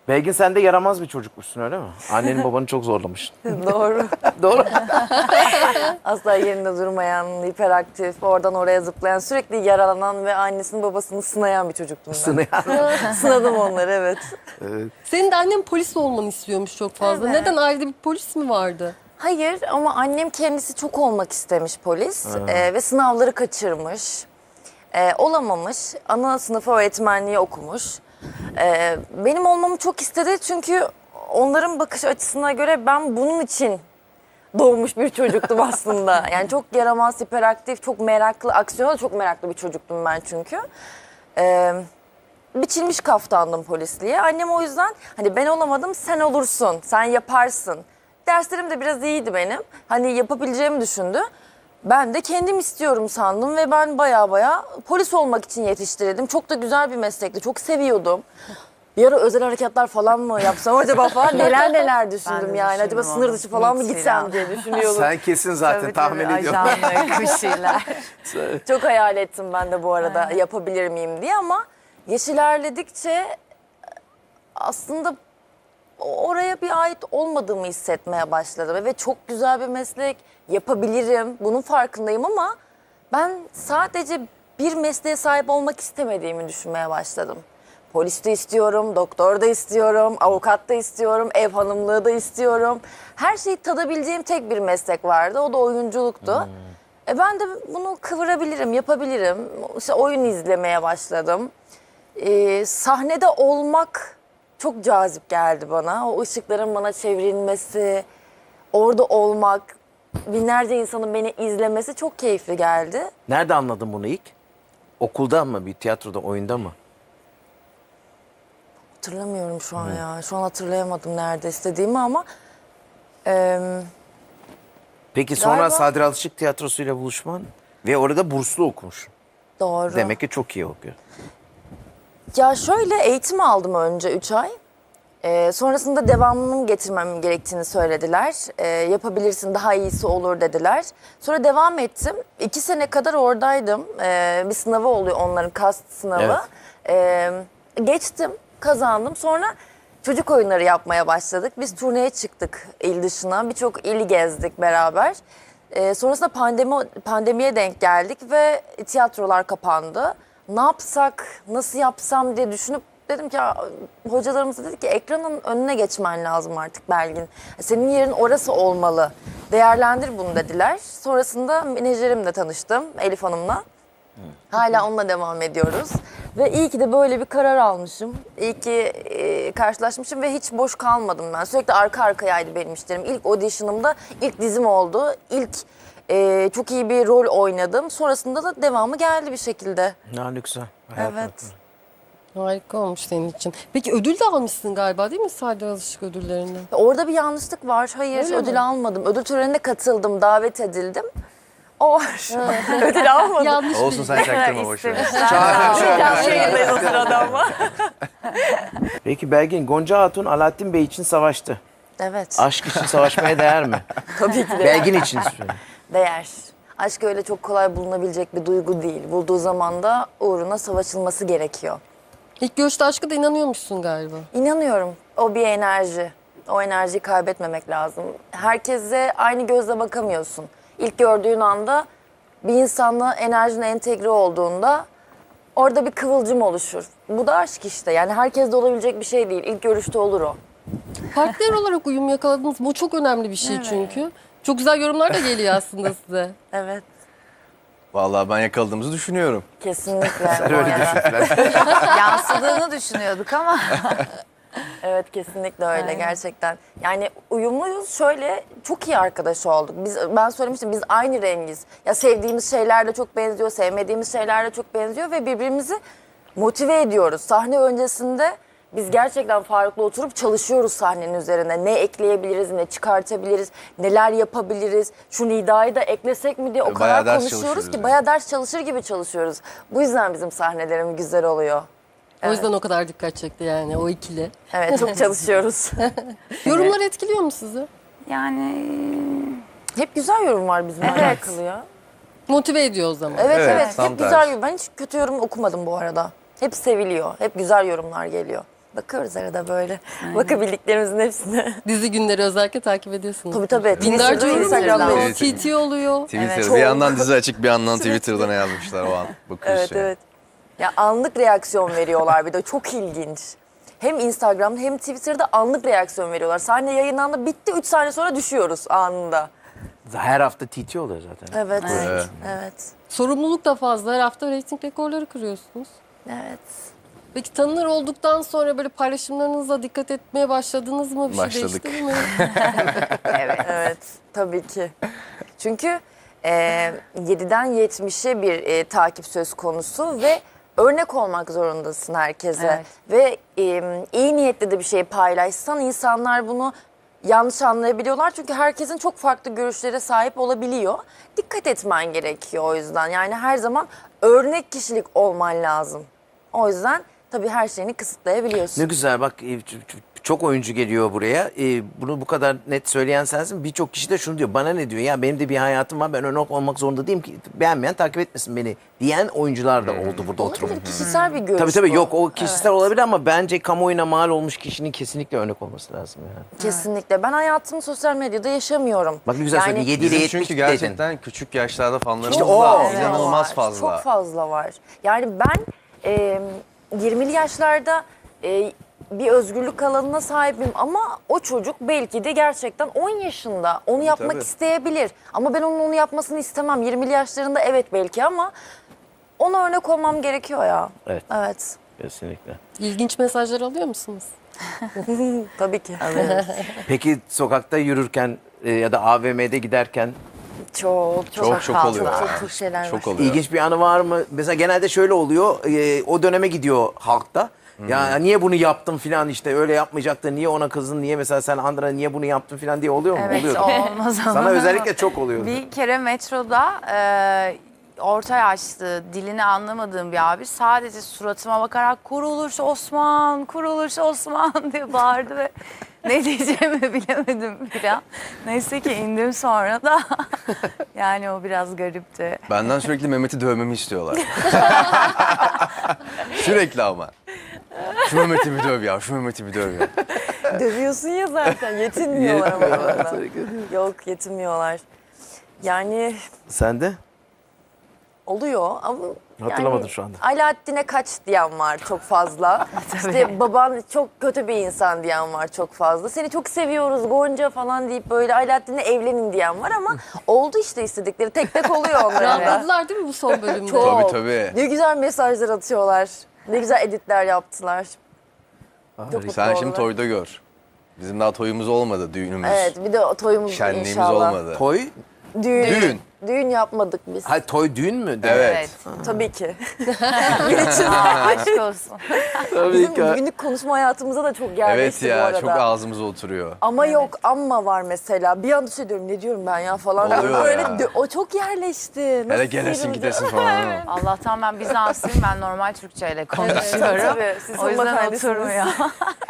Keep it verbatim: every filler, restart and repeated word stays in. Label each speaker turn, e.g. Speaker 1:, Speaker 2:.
Speaker 1: Belgin sen de yaramaz bir çocukmuşsun öyle mi? Annenin babanı çok zorlamışsın.
Speaker 2: Doğru.
Speaker 1: Doğru.
Speaker 2: Asla yerinde durmayan, hiperaktif, oradan oraya zıplayan, sürekli yaralanan ve annesini babasını sınayan bir çocuktum ben.
Speaker 1: Sınayan.
Speaker 2: Sınadım onları, evet.
Speaker 1: Evet.
Speaker 3: Senin de annen polis olmanı istiyormuş çok fazla.
Speaker 2: Evet.
Speaker 3: Neden, ailede bir polis mi vardı?
Speaker 2: Hayır ama annem kendisi çok olmak istemiş polis Ee, ve sınavları kaçırmış. Ee, olamamış. Ana sınıfı öğretmenliği okumuş. Ee, benim olmamı çok istedi çünkü onların bakış açısına göre ben bunun için doğmuş bir çocuktum aslında. Yani çok yaramaz, hiperaktif, çok meraklı, aksiyona da çok meraklı bir çocuktum ben çünkü. Ee, biçilmiş kaftandım polisliğe. Annem o yüzden hani ben olamadım sen olursun, sen yaparsın. Derslerim de biraz iyiydi benim. Hani yapabileceğimi düşündü. Ben de kendim istiyorum sandım ve ben baya baya polis olmak için yetiştirildim. Çok da güzel bir meslekti, çok seviyordum. Bir ara özel harekatlar falan mı yapsam acaba falan neler neler düşündüm
Speaker 4: de
Speaker 2: yani. Acaba
Speaker 4: düşündüm
Speaker 2: sınır
Speaker 4: onu.
Speaker 2: dışı falan mı
Speaker 4: Hiç
Speaker 2: gitsem
Speaker 4: silah.
Speaker 2: diye düşünüyordum.
Speaker 1: Sen kesin zaten
Speaker 4: Tabii,
Speaker 1: tahmin
Speaker 4: tabii,
Speaker 1: ediyorum.
Speaker 4: ajanlık bir şeyler.
Speaker 2: Çok hayal ettim ben de bu arada yapabilir miyim diye ama yaş ilerledikçe aslında oraya bir ait olmadığımı hissetmeye başladım. Ve çok güzel bir meslek, yapabilirim, bunun farkındayım ama ben sadece bir mesleğe sahip olmak istemediğimi düşünmeye başladım. Polis de istiyorum, doktor da istiyorum, avukat da istiyorum, ev hanımlığı da istiyorum. Her şeyi tadabileceğim tek bir meslek vardı, o da oyunculuktu. E ben de bunu kıvırabilirim, yapabilirim. İşte oyun izlemeye başladım. E, sahnede olmak çok cazip geldi bana. O ışıkların bana çevrilmesi, orada olmak, binlerce insanın beni izlemesi çok keyifli geldi.
Speaker 1: Nerede anladın bunu ilk? Okulda mı? Bir tiyatroda, oyunda mı?
Speaker 2: Hatırlamıyorum şu an ya. Şu an hatırlayamadım nerede istediğimi ama... E,
Speaker 1: Peki sonra
Speaker 2: Galiba-
Speaker 1: Sadri Alışık Tiyatrosu'yla buluşman ve orada burslu okumuş.
Speaker 2: doğru.
Speaker 1: Demek ki çok iyi okuyor.
Speaker 2: Ya şöyle eğitim aldım önce üç ay. Ee, sonrasında devamının getirmem gerektiğini söylediler. Ee, yapabilirsin, daha iyisi olur dediler. Sonra devam ettim. İki sene kadar oradaydım. Ee, bir sınavı oluyor onların, kast sınavı. Ee, geçtim, kazandım. Sonra çocuk oyunları yapmaya başladık. Biz turneye çıktık il dışına. Birçok ili gezdik beraber. Ee, sonrasında pandemi pandemiye denk geldik ve tiyatrolar kapandı. Ne yapsak, nasıl yapsam diye düşünüp dedim ki ya, hocalarımız da dedi ki ekranın önüne geçmen lazım artık Belgin. Senin yerin orası olmalı. Değerlendir bunu dediler. Sonrasında menajerimle tanıştım, Elif Hanım'la. Hala onunla devam ediyoruz. Ve iyi ki de böyle bir karar almışım. İyi ki e, karşılaşmışım ve hiç boş kalmadım ben. Sürekli arka arkayaydı benim işlerim. İlk audition'ımda ilk dizim oldu. İlk e, çok iyi bir rol oynadım. Sonrasında da devamı geldi bir şekilde.
Speaker 1: Ne güzel. Hayat
Speaker 2: Evet.
Speaker 1: bakımı.
Speaker 3: Harika olmuş senin için. Peki ödül de almışsın galiba değil mi Sadri Alışık ödüllerinden?
Speaker 2: Orada bir yanlışlık var. Hayır,
Speaker 3: Öyle
Speaker 2: ödül
Speaker 3: mi?
Speaker 2: almadım. Ödül törenine katıldım, davet edildim. O var. Ödül almadım.
Speaker 3: Yanlış
Speaker 1: Olsun
Speaker 3: bilgi.
Speaker 1: sen çaktırma boşver.
Speaker 2: Şehirdeyiz o sırada ama.
Speaker 1: Peki Belgin, Gonca Hatun Alaaddin Bey için savaştı.
Speaker 2: Evet,
Speaker 1: Aşk için savaşmaya değer mi?
Speaker 2: tabii ki de.
Speaker 1: Belgin için söyle.
Speaker 2: Değer. Aşk öyle çok kolay bulunabilecek bir duygu değil. Bulduğu zaman da uğruna savaşılması gerekiyor.
Speaker 3: İlk görüşte aşka da inanıyormuşsun galiba.
Speaker 2: İnanıyorum. O bir enerji. O enerjiyi kaybetmemek lazım. Herkese aynı gözle bakamıyorsun. İlk gördüğün anda bir insanla enerjine entegre olduğunda orada bir kıvılcım oluşur. Bu da aşk işte. Yani herkeste olabilecek bir şey değil. İlk görüşte olur o.
Speaker 3: Partner olarak uyum yakaladınız. Bu çok önemli bir şey çünkü. Çok güzel yorumlar da geliyor aslında size.
Speaker 2: Evet.
Speaker 5: Vallahi ben yakaladığımızı düşünüyorum.
Speaker 2: Kesinlikle.
Speaker 1: Sen
Speaker 2: bu
Speaker 1: öyle
Speaker 2: arada.
Speaker 1: düşün.
Speaker 4: Yansıdığını düşünüyorduk ama.
Speaker 2: Evet, kesinlikle öyle gerçekten. Yani uyumluyuz, şöyle çok iyi arkadaş olduk. Biz, ben söylemiştim, biz aynı rengiz. Ya sevdiğimiz şeyler de çok benziyor, sevmediğimiz şeyler de çok benziyor ve birbirimizi motive ediyoruz. Sahne öncesinde biz gerçekten Faruk'la oturup çalışıyoruz sahnenin üzerine. Ne ekleyebiliriz, ne çıkartabiliriz, neler yapabiliriz. Şu nidayı da eklesek mi diye o
Speaker 5: Bayağı
Speaker 2: kadar
Speaker 5: ders
Speaker 2: konuşuyoruz
Speaker 5: çalışıyoruz
Speaker 2: ki.
Speaker 5: yani.
Speaker 2: Bayağı ders çalışır gibi çalışıyoruz. Bu yüzden bizim sahnelerim güzel oluyor.
Speaker 3: O yüzden o kadar dikkat çekti yani o ikili.
Speaker 2: Evet, çok çalışıyoruz.
Speaker 3: Yorumlar etkiliyor mu sizi?
Speaker 4: Yani
Speaker 2: Hep güzel yorum var bizimle
Speaker 4: Evet.
Speaker 2: alakalı ya.
Speaker 3: Motive ediyor o zaman.
Speaker 2: Evet evet,
Speaker 5: tam
Speaker 2: hep
Speaker 5: tersi.
Speaker 2: güzel yorum. Ben hiç kötü yorum okumadım bu arada. Hep seviliyor. Hep güzel yorumlar geliyor. Bakıyoruz arada böyle. Bakabildiklerimizin hepsine.
Speaker 3: Dizi günleri özellikle takip ediyorsunuz.
Speaker 2: Tabii tabii.
Speaker 3: Binlerce
Speaker 2: Twitter'da,
Speaker 3: yorum
Speaker 2: Instagram'da.
Speaker 3: oluyor.
Speaker 5: Evet.
Speaker 3: T T oluyor.
Speaker 5: Twitter.
Speaker 2: Evet.
Speaker 5: Bir yandan dizi açık bir yandan Twitter'da ne yazmışlar o an. Bakıyorsun.
Speaker 2: Evet evet. Ya anlık reaksiyon veriyorlar bir de çok ilginç. Hem Instagram'da hem Twitter'da anlık reaksiyon veriyorlar. Sahne yayınlandı bitti üç saniye sonra düşüyoruz anında.
Speaker 1: Her hafta T T oluyor zaten.
Speaker 2: Evet.
Speaker 5: Evet.
Speaker 2: Evet.
Speaker 3: Sorumluluk da fazla. Her hafta reyting rekorları kırıyorsunuz.
Speaker 2: Evet.
Speaker 3: Peki tanınır olduktan sonra böyle paylaşımlarınızla dikkat etmeye başladınız mı? Bir
Speaker 5: Başladık.
Speaker 3: şey değişti mi?
Speaker 2: Evet. Evet. Tabii ki. Çünkü e, yediden yetmişe bir e, takip söz konusu ve örnek olmak zorundasın herkese.
Speaker 4: Evet.
Speaker 2: Ve e, iyi niyetli de bir şey paylaşsan insanlar bunu yanlış anlayabiliyorlar. Çünkü herkesin çok farklı görüşlere sahip olabiliyor. Dikkat etmen gerekiyor o yüzden. Yani her zaman örnek kişilik olman lazım. O yüzden tabii her şeyini kısıtlayabiliyorsun.
Speaker 1: Ne güzel bak e, ç- ç- çok oyuncu geliyor buraya. E, bunu bu kadar net söyleyen sensin. Birçok kişi de şunu diyor. Bana ne diyor? Ya benim de bir hayatım var. Ben örnek olmak zorunda değilim ki. Beğenmeyen takip etmesin beni diyen oyuncular da oldu burada oturup.
Speaker 2: Olabilir, kişisel bir görüş
Speaker 1: Tabii tabii
Speaker 2: bu.
Speaker 1: yok o kişisel olabilir ama bence kamuoyuna mal olmuş kişinin kesinlikle örnek olması lazım yani.
Speaker 2: Kesinlikle. Ben hayatımı sosyal medyada yaşamıyorum.
Speaker 1: Bak ne güzel söyledin. yedi ile
Speaker 5: Bizim
Speaker 1: yetmiş
Speaker 5: çünkü
Speaker 1: dedin.
Speaker 5: gerçekten küçük yaşlarda fanlarımız
Speaker 1: İşte
Speaker 5: da
Speaker 1: o.
Speaker 5: inanılmaz
Speaker 2: var,
Speaker 5: fazla.
Speaker 2: Çok fazla var. Yani ben e, yirmili yaşlarda e, bir özgürlük alanına sahibim ama o çocuk belki de gerçekten on yaşında. Onu yapmak
Speaker 5: tabii.
Speaker 2: isteyebilir. Ama ben onun onu yapmasını istemem. yirmili yaşlarında evet belki ama ona örnek olmam gerekiyor ya.
Speaker 1: Evet.
Speaker 2: Evet.
Speaker 1: Kesinlikle.
Speaker 3: İlginç mesajlar alıyor musunuz?
Speaker 2: Tabii ki.
Speaker 1: Peki sokakta yürürken e, ya da A V M'de giderken
Speaker 2: Çok çok
Speaker 5: Çok çok
Speaker 2: fazla.
Speaker 5: oluyor.
Speaker 2: Çok
Speaker 5: ya.
Speaker 2: çok şeyler var.
Speaker 5: Çok oluyor.
Speaker 1: ilginç bir anı var mı? Mesela genelde şöyle oluyor. e, o döneme gidiyor halkta. Ya niye bunu yaptın filan işte öyle yapmayacaktın. Niye ona kızdın? Niye mesela sen Andra niye bunu yaptın filan diye oluyor mu?
Speaker 4: Evet
Speaker 1: Oluyordu.
Speaker 4: olmaz ama.
Speaker 1: Sana özellikle çok oluyordu.
Speaker 4: Bir kere metroda e, orta yaşlı, dilini anlamadığım bir abi sadece suratıma bakarak kuruluş Osman, kuruluş Osman diye bağırdı ve ne diyeceğimi bilemedim bir an. Neyse ki indim sonra da yani o biraz garipti.
Speaker 5: Benden sürekli Mehmet'i dövmemi istiyorlar. Sürekli ama. Şu Mehmet'i bir döv ya, şu Mehmet'i bir döv ya.
Speaker 2: Dövüyorsun ya zaten. Yetinmiyorlar ama bana. Yok yetinmiyorlar. Yani
Speaker 1: Sen de?
Speaker 2: oluyor ama
Speaker 1: Hatırlamadım
Speaker 2: yani
Speaker 1: şu anda.
Speaker 2: Alaaddin'e kaç diyen var çok fazla. İşte baban çok kötü bir insan diyen var çok fazla. Seni çok seviyoruz Gonca falan deyip böyle Alaaddin'le evlenin diyen var ama oldu işte istedikleri. Tek tek oluyor onların da.
Speaker 3: Rahatladılar değil mi bu son bölümde?
Speaker 2: Çok.
Speaker 5: Tabii tabii.
Speaker 2: Ne güzel mesajlar atıyorlar. Ne güzel editler yaptılar. Çok mutlu
Speaker 5: Sen şimdi
Speaker 2: oldular.
Speaker 5: toyda gör. Bizim daha toyumuz olmadı, düğünümüz.
Speaker 2: Evet bir de o toyumuz
Speaker 5: Şenliğimiz
Speaker 2: inşallah.
Speaker 5: olmadı.
Speaker 1: Toy?
Speaker 2: Düğün.
Speaker 5: Düğün.
Speaker 2: Düğün yapmadık biz.
Speaker 1: Hayır toy düğün mü?
Speaker 5: Evet.
Speaker 2: Tabii ki.
Speaker 4: Aa, aşk olsun.
Speaker 2: Bizim günlük konuşma hayatımıza da çok
Speaker 5: Evet
Speaker 2: yerleşti bu
Speaker 5: ya,
Speaker 2: arada.
Speaker 5: çok ağzımıza oturuyor.
Speaker 2: Ama yok amma var mesela. Bir anda şey diyorum ne diyorum ben ya falan.
Speaker 5: Oluyor
Speaker 2: Böyle
Speaker 5: ya.
Speaker 2: dö- o çok yerleşti. Nasıl
Speaker 5: Hele gelesin
Speaker 2: sıyrıldı?
Speaker 5: gidesin falan.
Speaker 4: Allah'tan ben Bizanslıyım, ben normal Türkçeyle konuşuyorum.
Speaker 2: Tabii siz
Speaker 4: O yüzden
Speaker 2: hanımefendisiniz.
Speaker 4: oturmuyor.